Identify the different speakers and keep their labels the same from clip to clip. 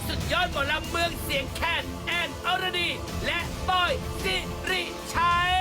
Speaker 1: สุดยอดหมอลำเมืองเสียงแคนแอนอรดี และบอยสิริชัย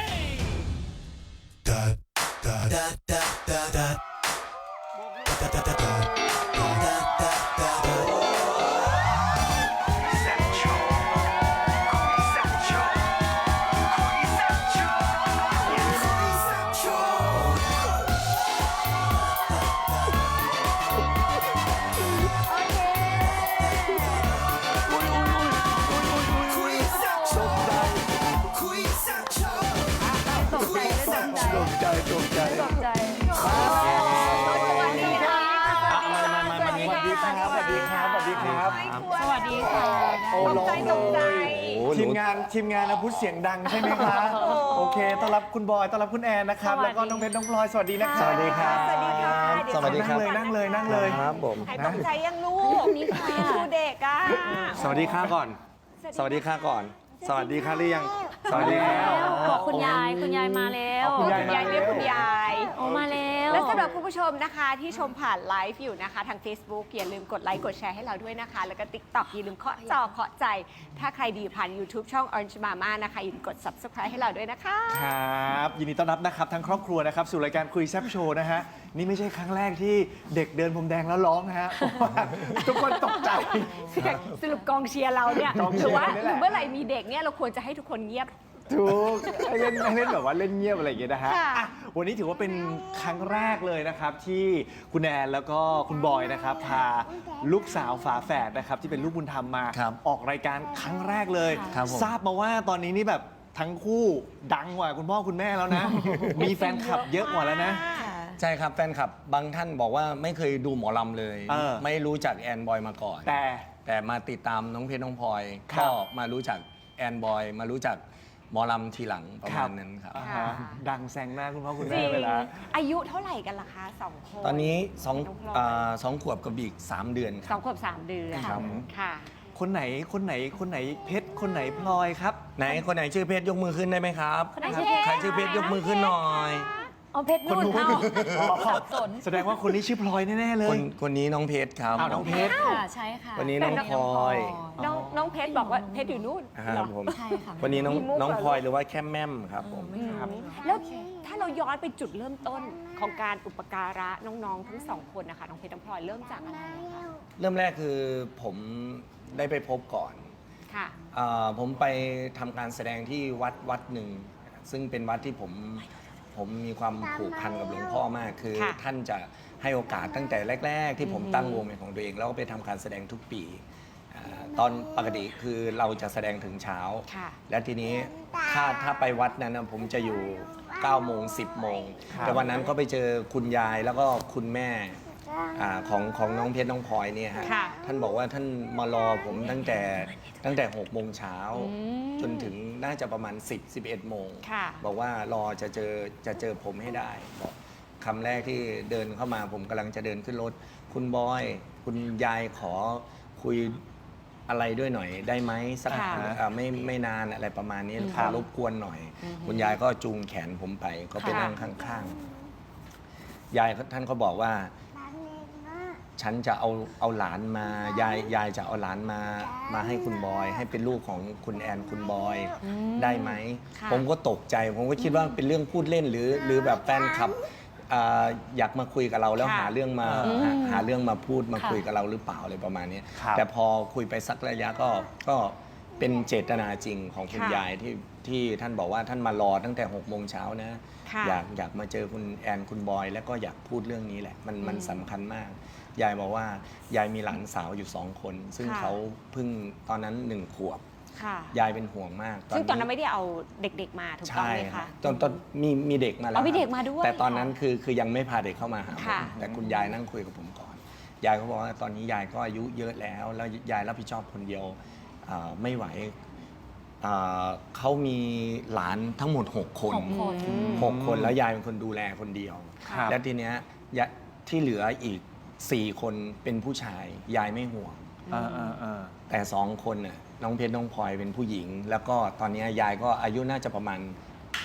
Speaker 2: สวัสดีค่ะโอ้ร้องเลยทีมงานนะพูดเสียงดังใช่ไหมคะโอเคต้อนรับคุณบอยต้อนรับคุณแอนนะครับแล้วก็น้องเพชรน้องพลอยสวัสดีนะครับสวัสดีครับ
Speaker 3: สวัสดีค่ะ
Speaker 2: สวัสดีครับนั่งเลย
Speaker 3: ครับผมหายตกใจยังลูกนี่ค่ะดูเด็กอ่ะ
Speaker 2: สวัสดีค่ะก่อนสวัสดีค่ะก่อนสวัสดีค่ะหรือยังสวัสดีครับ
Speaker 4: บอกคุณยายมาแล้ว
Speaker 3: คุณยายเรียกคุณยาย
Speaker 4: ออกมาแล้ว
Speaker 3: และสำหรับคุณผู้ชมนะคะที่ชมผ่านไลฟ์อยู่นะคะทาง Facebook อย่าลืมกดไลค์กดแชร์ให้เราด้วยนะคะแล้วก็ TikTok อย่าลืมเคาะจอเคาะใจถ้าใครดีผ่าน YouTube ช่อง Orange Mama นะคะอย่าลืมกด Subscribe ให้เราด้วยนะคะ
Speaker 2: ครับยินดีต้อนรับนะครับทั้งครอบครัวนะครับสู่รายการคุยแซ่บโชว์นะฮะนี่ไม่ใช่ครั้งแรกที่เด็กเดินพรมแดงแล้วร้องนะฮะทุกคนตกใจ
Speaker 3: สรุปกองเชียร์เราเนี่ยหรือว่าเมื่อไหร่มีเด็กเนี่ยเราควรจะให้ทุกคนเงียบ
Speaker 2: ถูกเล่นแบบว่าเล่นเงียบอะไรอย่างเงี้ยนะฮะวันนี้ถือว่าเป็นครั้งแรกเลยนะครับที่คุณแอนแล้วก็คุณบอยนะครับพาลูกสาวฝาแฝดนะครับที่เป็นลูกบุญธรรมมาออกรายการครั้งแรกเลยทราบมาว่าตอนนี้นี่แบบทั้งคู่ดังกว่าคุณพ่อคุณแม่แล้วนะมีแฟนคลับเยอะกว่าแล้วนะ
Speaker 5: ใช่ครับแฟนคลับบางท่านบอกว่าไม่เคยดูหมอลำเลยไม่รู้จักแอนบอยมาก่อนแต่มาติดตามน้องเพชรน้องพลอยก็มารู้จักแอนบอยมารู้จักหมอลำทีหลังประมาณนั้นครับ
Speaker 2: ดังแซงหน้าคุณพ่อคุณแม่ไปแล้ว
Speaker 3: อายุเท่าไหร่กันล่ะคะ2 คน
Speaker 5: ตอนนี้2 ขวบกับอีก3 เดือนครับ
Speaker 3: 2 ขวบ 3 เดือนค่ะ
Speaker 2: คนไหนเพชรคนไหนพลอยครับ
Speaker 5: ไหนคนไหนชื่อเพชรยกมือขึ้นได้ไหมครับใครชื่อเพชรยกมือขึ้นหน่อย
Speaker 4: เอาเพชรนุ่นสับสน
Speaker 2: แสดงว่าคนนี้ชื่อพลอยแน่ๆเลย
Speaker 5: คนนี้น้องเพชรครับ
Speaker 2: น้องเพชร
Speaker 4: ใช่ค่ะ
Speaker 5: วันนี้น้องพลอย
Speaker 3: น้องเพชรบอกว่าเพชรอยู่นู่น
Speaker 5: ครับผมวันนี้น้องพลอยหรือว่าแค่แม่มครับผม
Speaker 3: แล้วถ้าเราย้อนไปจุดเริ่มต้นของการอุปการะน้องๆทั้ง2 คนนะคะน้องเพชรน้องพลอยเริ่มจากอะไรคะ
Speaker 5: เริ่มแรกคือผมได้ไปพบก่อน
Speaker 3: ค่ะ
Speaker 5: ผมไปทำการแสดงที่วัดหนึ่งซึ่งเป็นวัดที่ผมมีความผูกพันกับหลวงพ่อมากคือท่านจะให้โอกาสตั้งแต่แรกๆที่ผมตั้งวงเป็นของตัวเองแล้วก็ไปทำการแสดงทุกปีตอนปกติคือเราจะแสดงถึงเช้าและทีนี้ถ้าไปวัดนั้นผมจะอยู่9 โมง 10 โมงแต่วันนั้นก็ไปเจอคุณยายแล้วก็คุณแม่ของน้องเพชรน้องพลอยเนี่ยฮะท่านบอกว่าท่านมารอผมตั้งแต่6 โมงเช้าจนถึงน่าจะประมาณ11 โมงบอกว่ารอจะเจอผมให้ได้บอกคำแรกที่เดินเข้ามาผมกำลังจะเดินขึ้นรถคุณบอยคุณยายขอคุยอะไรด้วยหน่อยได้ไหมสักไม่นานอะไรประมาณนี้ขอรบกวนหน่อยคุณยายก็จูงแขนผมไปก็ไปนั่งข้างๆยายท่านก็บอกว่าฉันจะเอาหลานมายายจะเอาหลานมาให้คุณบอยให้เป็นลูกของคุณแอนคุณบอยได้ไหมผมก็ตกใจผมก็คิดว่าเป็นเรื่องพูดเล่นหรือแบบแฟนคลับอยากมาคุยกับเราแล้วหาเรื่องมาพูดมาคุยกับเราหรือเปล่าอะไรประมาณนี้แต่พอคุยไปสักระยะก็เป็นเจตนาจริงของคุณยายที่ท่านบอกว่าท่านมารอตั้งแต่6 โมงเช้านะอยากมาเจอคุณแอนคุณบอยแล้วก็อยากพูดเรื่องนี้แหละมันสำคัญมากยายบอกว่ายายมีหลานสาวอยู่2 คนซึ่งเขาเพิ่งตอนนั้น1 ขวบยายเป็นห่วงมาก
Speaker 3: ซึ่งตอนนั้นไม่ได้เอาเด็กๆมาถูกต้องไหมคะ
Speaker 5: ตอนมีเด็กมาแล้ว
Speaker 3: มีเด็กมาด้วย
Speaker 5: แต่ตอนนั้นคือยังไม่พาเด็กเข้ามาหาผมแต่คุณยายนั่งคุยกับผมก่อนยายเขาบอกว่าตอนนี้ยายก็อายุเยอะแล้วยายรับผิดชอบคนเดียวไม่ไหวเขามีหลานทั้งหมด6 คนแล้วยายเป็นคนดูแลคนเดียวแล้วทีเนี้ยที่เหลืออีก4 คนเป็นผู้ชายยายไม่ห่วงแต่2 คนน่ะน้องเพชรน้องพลอยเป็นผู้หญิงแล้วก็ตอนนี้ยายก็อายุน่าจะประมาณ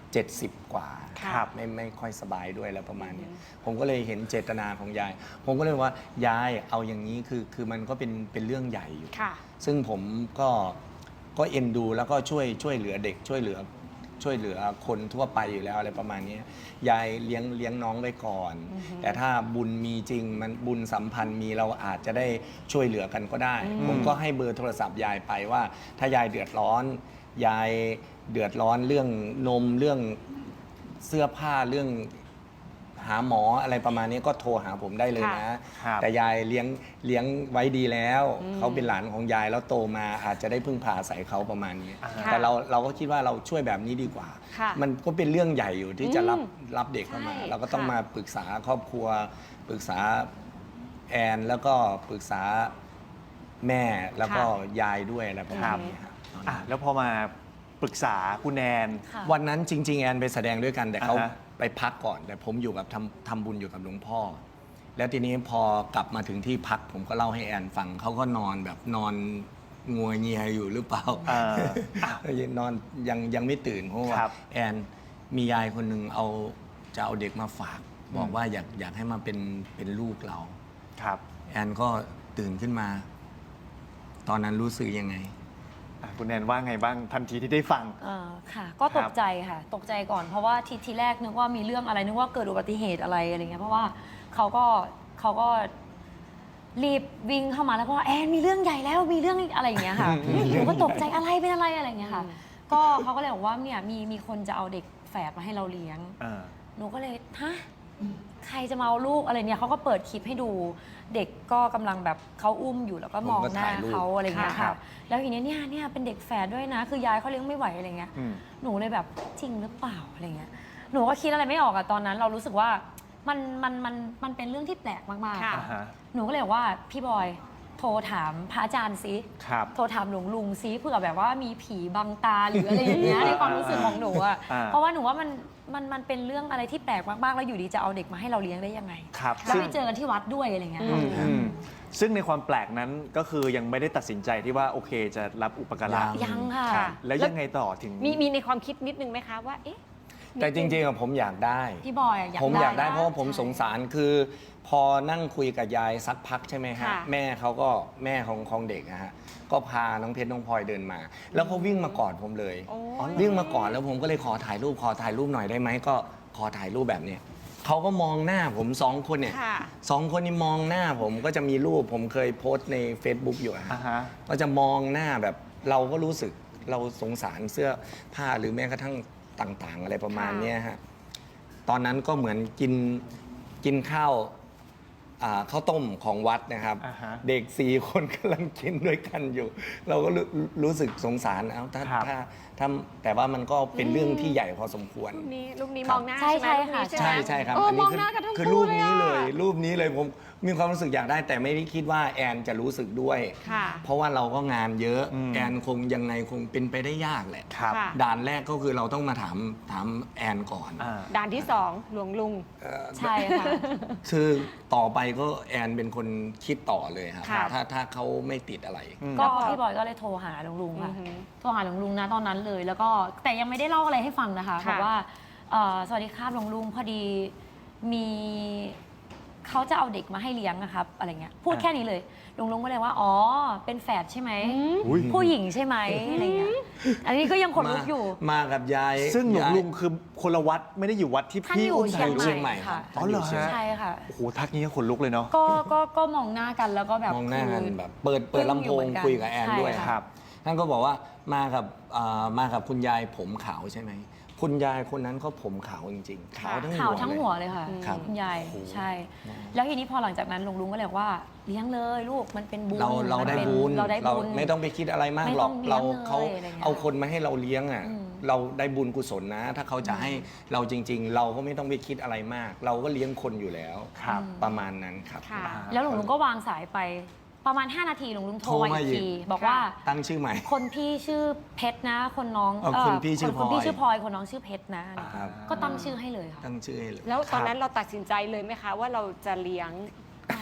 Speaker 5: 70 กว่า
Speaker 2: ครับ
Speaker 5: ไม่ค่อยสบายด้วยแล้วประมาณเนี้ยผมก็เลยเห็นเจตนาของยาย ผมก็เลยว่ายายเอาอย่างนี้คือมันก็เป็นเรื่องใหญ่อยู่
Speaker 3: ค่ะ
Speaker 5: ซึ่งผมก็เอ็นดูแล้วก็ช่วยเหลือเด็กช่วยเหลือคนทั่วไปอยู่แล้วอะไรประมาณนี้ยายเลี้ยงน้องไว้ก่อน แต่ถ้าบุญมีจริงมันบุญสัมพันธ์มีเราอาจจะได้ช่วยเหลือกันก็ได้ ผมก็ให้เบอร์โทรศัพท์ยายไปว่า ถ้ายายเดือดร้อนยายเดือดร้อนเรื่องนมเรื่องเสื้อผ้าเรื่องหาหมออะไรประมาณนี้ก็โทรหาผมได้เลยนะ
Speaker 2: ครับ
Speaker 5: แต่ยายเลี้ยงไว้ดีแล้ว เขาเป็นหลานของยายแล้วโตมาอาจจะได้พึ่งพาอาศัยเขาประมาณนี้ แต่เราก็คิดว่าเราช่วยแบบนี้ดีกว่า
Speaker 3: ค่ะ
Speaker 5: มันก็เป็นเรื่องใหญ่อยู่ที่จะรับเด็กเข้ามา
Speaker 3: ใช่
Speaker 5: เราก็ต้อง
Speaker 3: ค่ะ
Speaker 5: มาปรึกษาครอบครัว ปรึกษาแอนแล้วก็ปรึกษาแม่แล้วก็ยายด้วยอะไรประมาณนี้ครับ
Speaker 2: อ่ะแล้วพอมาปรึกษาคุณแนน
Speaker 4: ค่ะ
Speaker 5: วันนั้นจริง ๆ แอนไปแสดงด้วยกันแต่เขา
Speaker 2: อ่าฮะ
Speaker 5: ไปพักก่อน แต่ผมอยู่กับทำบุญอยู่กับหลวงพ่อ แล้วทีนี้พอกลับมาถึงที่พักผมก็เล่าให้แอนฟังเขาก็นอนแบบนอนงัวเงียอยู่หรือเปล่า นอนยังไม่ตื่นเพราะว่า
Speaker 2: ครับ
Speaker 5: แอนมียายคนหนึ่งจะเอาเด็กมาฝาก บอกว่าอยากให้มาเป็นลูกเรา
Speaker 2: ครับ
Speaker 5: แอนก็ตื่นขึ้นมา ตอนนั้นรู้สึกยังไง
Speaker 2: อ่ะคุณแนนว่าไงบ้างทันทีที่ได้ฟัง
Speaker 4: ค่ะ ก็ตกใจค่ะ ตกใจก่อนเพราะว่าทีแรกนึกว่ามีเรื่องอะไรนึกว่าเกิดอุบัติเหตุอะไรเงี้ยเพราะว่าเขาก็รีบวิ่งเข้ามาแล้วก็ว่าแอนมีเรื่องใหญ่แล้วมีเรื่องอะไรอย่างเงี้ยค่ะหนูก็ตกใจอะไรเป็นอะไรอะไรอย่างเงี้ยค่ะ ก็เขาก็เลยบอกว่าเนี่ยมีคนจะเอาเด็กแฝดมาให้เราเลี้ยง หนูก็เลยฮะใครจะมาเอาลูกอะไรเนี่ยเขาก็เปิดคลิปให้ดูเด็กก็กำลังแบบเขาอุ้มอยู่แล้วก็มองหน้าเขาอะไรเงี้ย
Speaker 2: ครั
Speaker 4: ค่ะ
Speaker 2: บ
Speaker 4: แล้วทีเนี้ยเนี่ยเป็นเด็กแฝดด้วยนะ คือยายเขาเลี้ยงไม่ไหวอะไรเงี้ย
Speaker 2: อืม
Speaker 4: หนูเลยแบบจริงหรือเปล่าอะไรเงี้ยหนูก็คิดอะไรไม่ออกอะตอนนั้นเรารู้สึกว่ามันเป็นเรื่องที่แปลกมากๆ
Speaker 3: ค่ะ
Speaker 2: อ่าฮะ
Speaker 4: หนูก็เลยบอกว่าพี่บอยโทรถามพระอาจารย์ซิ
Speaker 2: ครับ
Speaker 4: โทรถามหลวงลุงซิเผื่อแบบว่ามีผีบังตาหรืออะไรอย่างเงี้ยในความรู้สึกของหนูอะ
Speaker 2: อ่า
Speaker 4: เพราะว่าหนูว่ามันเป็นเรื่องอะไรที่แปลกมากๆแล้วอยู่ดีจะเอาเด็กมาให้เราเลี้ยงได้ยังไง
Speaker 2: ครับ
Speaker 4: แล้ว
Speaker 2: ซึ่ง
Speaker 4: ไปเจอกันที่วัดด้วยอะไรเงี้ย
Speaker 2: อืมอืมซึ่งในความแปลกนั้นก็คือยังไม่ได้ตัดสินใจที่ว่าโอเคจะรับอุปการะ
Speaker 4: ยังค่ะ
Speaker 2: ครับแล้วยังไงต่อถึง
Speaker 3: มีในความคิดนิดนึงไหมคะว่า เอ๊ะ
Speaker 5: แต่จริงๆอะผมอยากได้
Speaker 4: พี่บอยอะอยาก
Speaker 5: ผมอยากได้
Speaker 4: นะ
Speaker 5: เพราะว่าผม
Speaker 4: ใช่
Speaker 5: สงสารคือพอนั่งคุยกับยายสักพักใช่ไหมฮะ
Speaker 3: ค่ะ
Speaker 5: แม่เขาก็แม่ของเด็กนะฮะก็พาน้องเพชรน้องพลอยเดินมา แล้วเขาวิ่งมากอดผมเลย
Speaker 3: โอ้
Speaker 5: วิ่งมากอดแล้วผมก็เลยขอถ่ายรูปหน่อยได้ไหมก็ขอถ่ายรูปแบบเนี้ยเขาก็มองหน้าผมสองคนเนี่ย
Speaker 3: ค่ะ
Speaker 5: สองคนนี้มองหน้าผมก็จะมีรูปผมเคยโพสต์ใน Facebook อยู่อะฮะ
Speaker 2: อ่าฮะ
Speaker 5: ก็จะมองหน้าแบบเราก็รู้สึกเราสงสารเสื้อผ้าหรือแม้กระทั่งต่างๆ อะไรประมาณเนี้ยฮะตอนนั้นก็เหมือนกินข้าวข้าวต้มของวัดนะครับ
Speaker 2: อ่าฮะ
Speaker 5: เด็ก4 คนกำลังกินด้วยกันอยู่ เราก็รู้สึกสงสารเอาถ้า
Speaker 2: ครับ
Speaker 5: แต่ว่ามันก็เป็นเรื่องที่ใหญ่พอสมควร
Speaker 3: รูปนี้
Speaker 5: ครั
Speaker 3: ม
Speaker 5: บ
Speaker 3: องหน้า
Speaker 4: ใช่
Speaker 3: ใช่ไหม
Speaker 4: ค่ะ
Speaker 3: รูปนี้ใช่ไหม
Speaker 5: ใช่ครับ
Speaker 3: โอ้
Speaker 5: อัน
Speaker 3: ม
Speaker 5: นี้
Speaker 3: องหน้ากันทั้ง
Speaker 5: คือ
Speaker 3: คู่
Speaker 5: รูปนี้
Speaker 3: เล
Speaker 5: เลย ย รูปนี้เลยผมมีความรู้สึกอยากได้ แต่ไม่ได้คิดว่าแอนจะรู้สึกด้วย
Speaker 3: ค่ะ
Speaker 5: เพราะว่าเราก็งานเยอะ
Speaker 2: อืม
Speaker 5: แอนคงยังไงคงเป็นไปได้ยากแหละ
Speaker 2: ครับ
Speaker 3: ค่ะ
Speaker 5: ด่านแรกก็คือเราต้องมาถามแอนก่อน
Speaker 2: อ่า
Speaker 3: ด่านที่ 2 หลวงลุง
Speaker 4: ใช่ค่ะ
Speaker 5: คือต่อไปก็แอนเป็นคนคิดต่อเลยครับ
Speaker 3: ค่ะ
Speaker 5: ถ้าเขาไม่ติดอะไร
Speaker 2: อืม
Speaker 4: ก็พี่บอยก็เลยโทรหาหลวงลุงค่ะ
Speaker 3: อือหือ
Speaker 4: โทรหาหลวงลุงนะตอนนั้นเลย แล้วก็แต่ยังไม่ได้เล่าอะไรให้ฟังนะคะ
Speaker 3: ค่ะ
Speaker 4: บอกว่าสวัสดีครับหลวงลุงพอดีมีเขาจะเอาเด็กมาให้เลี้ยงนะครับอะไรเงี้ยพูดแค่นี้เลยหลวงลุงก็เลยว่าอ๋อเป็นแฝดใช่ไหม
Speaker 2: อุ๊ย
Speaker 4: ผู้หญิงใช่ไหมอะไรเงี้ยอันนี้ก็ยังขนลุกอยู่
Speaker 5: มากับยาย
Speaker 2: ซึ่งหลวง
Speaker 5: ยาย
Speaker 2: ลุงคือคนละวัดไม่ได้อยู่วัดที่
Speaker 4: ท่าน
Speaker 2: พี่
Speaker 4: อยู่
Speaker 2: อุ้ม
Speaker 4: เชี
Speaker 2: ถ่าย
Speaker 4: ง
Speaker 2: รูป
Speaker 5: เชียงใหม่ค
Speaker 4: ค่ะ
Speaker 5: รับ
Speaker 2: อ๋อเหรอฮะ
Speaker 4: ใช่ค่ะ
Speaker 2: โอ้โหทักนี้ก็ขนลุกเลยเนาะ
Speaker 4: ก็มองหน้ากันแล้วก็แบบ
Speaker 5: มองหน้ากัน
Speaker 4: คือ
Speaker 5: แบบเปิดลำโพงคุยกับแอนด้วย
Speaker 4: ใช่
Speaker 2: ครับ
Speaker 5: ท่านก็บอกว่ามากับคุณยายผมขาวใช่ไหมคุณยายคนนั้นก็ผมขาวจริงๆขาวทั้ง
Speaker 4: ข่าวทั้งหัว
Speaker 5: เลย
Speaker 4: เลยค่ะ
Speaker 5: ครับ
Speaker 4: คุณยายใช่ แล้วทีนี้พอหลังจากนั้นลุงก็เลยบอกว่าเลี้ยงเลยลูกมันเป็นบุญ
Speaker 5: เรา
Speaker 4: มัน
Speaker 5: ได้
Speaker 4: เป็น
Speaker 5: บุญ
Speaker 4: เราได้บุญ
Speaker 5: ไม่ต้องไปคิดอะไรมาก
Speaker 4: ไม่
Speaker 5: หร
Speaker 4: ต้
Speaker 5: อ
Speaker 4: อก งเลี้ยง
Speaker 5: เรา
Speaker 4: เลย
Speaker 5: เขา
Speaker 4: อะไรเงี้ย
Speaker 5: เอาคนมาให้เราเลี้ยงอ่ะ
Speaker 4: อืม
Speaker 5: เราได้บุญกุศลนะ ถ้าเขาจะให้เราจริง ๆ เราก็ไม่ต้องไปคิดอะไรมาก เราก็เลี้ยงคนอยู่แล้ว
Speaker 2: ครับ
Speaker 5: ประมาณนั้นครับ
Speaker 3: ค่ะ
Speaker 4: แล้วหลวงลุงก็วางสายไปประมาณ 5 นาทีหลวงลุงโทรมา
Speaker 5: โทรมา
Speaker 4: อีก
Speaker 5: อีก
Speaker 4: ทีบอกว่า
Speaker 5: ตั้งชื่อใหม่
Speaker 4: คนพี่ชื่อเพชรนะ คนน้อง
Speaker 5: คนพี่ชื่อ
Speaker 4: คนพี่
Speaker 5: พลอย
Speaker 4: ชื่อพลอยคนน้องชื่อเพชรนะ
Speaker 5: ครับ
Speaker 4: ก็ตั้งชื่อให้เลยค่ะ
Speaker 5: ตั้งชื่อให้เลย
Speaker 3: แล้วตอนนั้นเราตัดสินใจเลยไหมคะว่าเราจะเลี้ยง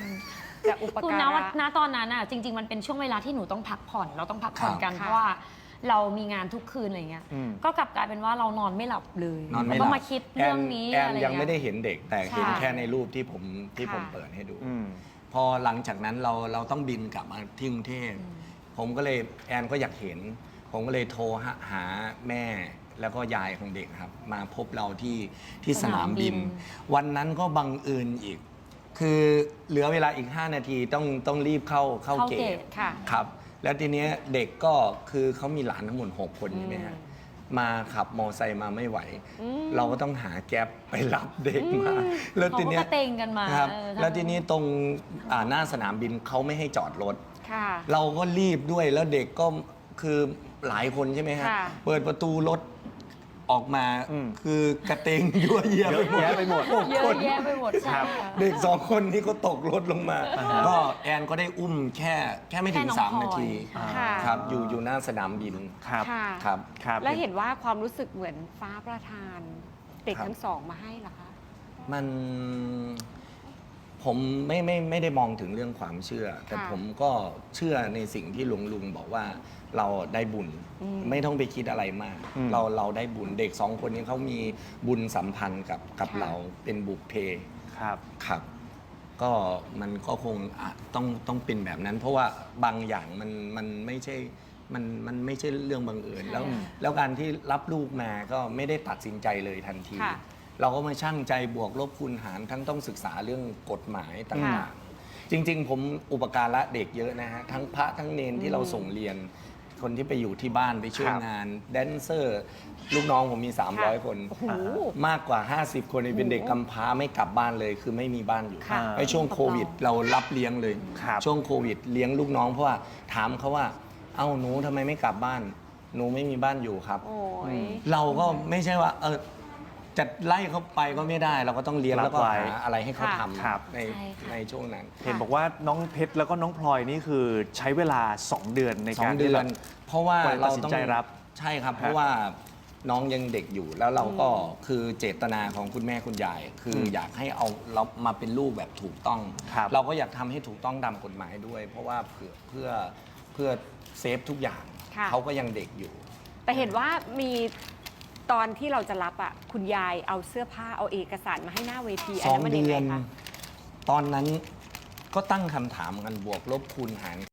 Speaker 3: จะอุป
Speaker 4: คือ
Speaker 3: การะ
Speaker 4: ณตอนนั้นอ่ะจริง ๆ มันเป็นช่วงเวลาที่หนูต้องพักผ่อนเราต้องพักผ่อนกัน
Speaker 3: ครับ
Speaker 4: เพราะว่าเรามีงานทุกคืนอะไรเงี้ย
Speaker 2: อืม
Speaker 4: ก็กลับกลายเป็นว่าเรานอนไม่หลับเลย
Speaker 5: นอนไม่
Speaker 4: แล้ว
Speaker 5: หลับ
Speaker 4: ก็มาคิดเรื่องนี้
Speaker 5: แอน
Speaker 4: อะไร
Speaker 5: ยังไม่
Speaker 4: เงี้ย
Speaker 5: ได้เห็นเด็กแต่เห็น
Speaker 4: ใช่
Speaker 5: แค่ในรูปที่ผม
Speaker 3: ค่ะ
Speaker 5: เปิดให้ดู
Speaker 2: อืม
Speaker 5: พอหลังจากนั้นเราต้องบินกลับมาที่กรุงเทพผมก็เลยแอนก็อยากเห็น ผมก็เลยโทรหาแม่แล้วก็ยายของเด็กครับ มาพบเราที่สนามบิน วันนั้นก็บังเอิญอีก คือเหลือเวลาอีก 5 นาทีต้องรีบเข้าเกต
Speaker 3: ค่ะ
Speaker 5: ครับ แล้วทีเนี้ยเด็กก็คือเขามีหลานทั้งหมด6 คนใช่ไหมฮะมาขับมอไซค์มาไม่ไหว เราก็ต้องหาแก๊ปไปรับเด็กมา แล้วทีเนี้ย
Speaker 4: เขาก็กระเตงกันมา
Speaker 5: ครับ
Speaker 4: เออ
Speaker 5: แล้วทีนี้ตรงหน้าสนามบินเขาไม่ให้จอดรถ
Speaker 3: ค่ะ
Speaker 5: เราก็รีบด้วยแล้วเด็กก็คือหลายคนใช่ไหมฮะ
Speaker 3: ค่ะ
Speaker 5: เปิดประตูรถออกมา
Speaker 2: อืม
Speaker 5: คือกระเตงยั่วเยีย
Speaker 2: เยอะแยะไปหมด
Speaker 5: 6
Speaker 4: เย
Speaker 5: ค
Speaker 4: อะ
Speaker 5: น
Speaker 4: แยะไปหมดใช่
Speaker 2: ครับ
Speaker 4: ค่ะ
Speaker 5: เด็ก2 คนนี้ก็ตกรถลงมา ก็แอนก็ได้อุ้มแค่ไม่ถึง
Speaker 4: แค่น้อง
Speaker 5: 3 นาที
Speaker 4: พลอย
Speaker 3: ค่ะ
Speaker 5: ครับอยู่หน้าสนามบิน
Speaker 2: ครับ
Speaker 3: ค่ะ
Speaker 5: ครับ
Speaker 2: ครับ
Speaker 3: แล้วเห็นว่าความรู้สึกเหมือนฟ้าประทาน เด็ก
Speaker 5: ครับ
Speaker 3: ทั้งสองมาให้เหรอคะ
Speaker 5: มันผมไม่ได้มองถึงเรื่องความเชื่อ แต่
Speaker 3: ค่ะ
Speaker 5: ผมก็เชื่อในสิ่งที่ลุงบอกว่าเราได้บุญ ไม่ต้องไปคิดอะไรมาก
Speaker 2: อืม
Speaker 5: เราได้บุญเด็ก2 คนนี้เขามีบุญสัมพันธ์กับ
Speaker 3: ค่ะ
Speaker 5: เราเป็นบุพเพ
Speaker 2: ครับ
Speaker 5: ครับ ก็มันก็คงต้องเป็นแบบนั้น เพราะว่าบางอย่างมันไม่ใช่มันไม่ใช่เรื่องบังเอิญแล้วการที่รับลูกมาก็ไม่ได้ตัดสินใจเลยทันที
Speaker 3: ค่ะ
Speaker 5: เราก็มาชั่งใจบวกลบคูณหารทั้งต้องศึกษาเรื่องกฎหมายต่างๆ จริง ๆ ผมอุปการะเด็กเยอะนะฮะทั้งพระทั้งเนนที่เราส่งเรียน คนที่ไปอยู่ที่บ้านไปช่วย
Speaker 2: ครับ
Speaker 5: งาน แดนเซอร์ ลูกน้องผมมี 300 คน
Speaker 3: โอ้โห
Speaker 5: มากกว่า 50 คนเป็นเด็กกำพร้าไม่กลับบ้านเลย คือไม่มีบ้านอยู่
Speaker 3: ค่ะ
Speaker 5: ในช่วงโควิด เรารับเลี้ยงเลย
Speaker 2: ครับ
Speaker 5: ช่วงโควิดเลี้ยงลูกน้องเพราะว่าถามเขาว่า เอ้าหนูทำไมไม่กลับบ้าน หนูไม่มีบ้านอยู่ครับ
Speaker 3: โอ้ย
Speaker 5: เราก็ไม่ใช่ว่าจะไล่เขาไปก็ไม่ได้ เราก็ต้องเลี้ยง
Speaker 2: รับ
Speaker 5: แล้วก็
Speaker 2: ไว้
Speaker 5: หาอะไรให้เขา
Speaker 3: ค่ะ
Speaker 5: ท
Speaker 2: ครับ
Speaker 5: ำใน
Speaker 4: ใช่ค่ะ
Speaker 5: ในช่วงนั้น
Speaker 2: เห็นบอกว่าน้องเพชรแล้วก็น้องพลอยนี่คือใช้เวลา 2 เดือนใน
Speaker 5: สอ
Speaker 2: การ
Speaker 5: งเดื
Speaker 2: ที่
Speaker 5: อ
Speaker 2: แบ
Speaker 5: น
Speaker 2: บ
Speaker 5: เพราะว่าก
Speaker 2: ว่าจะ
Speaker 5: เรา
Speaker 2: ตัดสิน
Speaker 5: ต้อง
Speaker 2: ใจรับ
Speaker 5: ใช่ครับ
Speaker 2: ฮะ
Speaker 5: เพราะว่าน้องยังเด็กอยู่แล้วเราก็คือเจตนาของคุณแม่คุณยาย คืออยากให้เอาเรามาเป็นลูกแบบถูกต้อง
Speaker 2: ครับ
Speaker 5: เราก็อยากทำให้ถูกต้องตามกฎหมายด้วย เพราะว่าเพื่อเซฟทุกอย่าง
Speaker 3: ค่ะ
Speaker 5: เขาก็ยังเด็กอยู่
Speaker 3: แต่เห็นว่ามีตอนที่เราจะรับอ่ะ คุณยายเอาเสื้อผ้าเอาเอกสารมาให้หน้าเวที อันนั้นมันยังไงคะ
Speaker 5: ตอนนั้นก็ตั้งคำถามกันบวกลบคูณหาร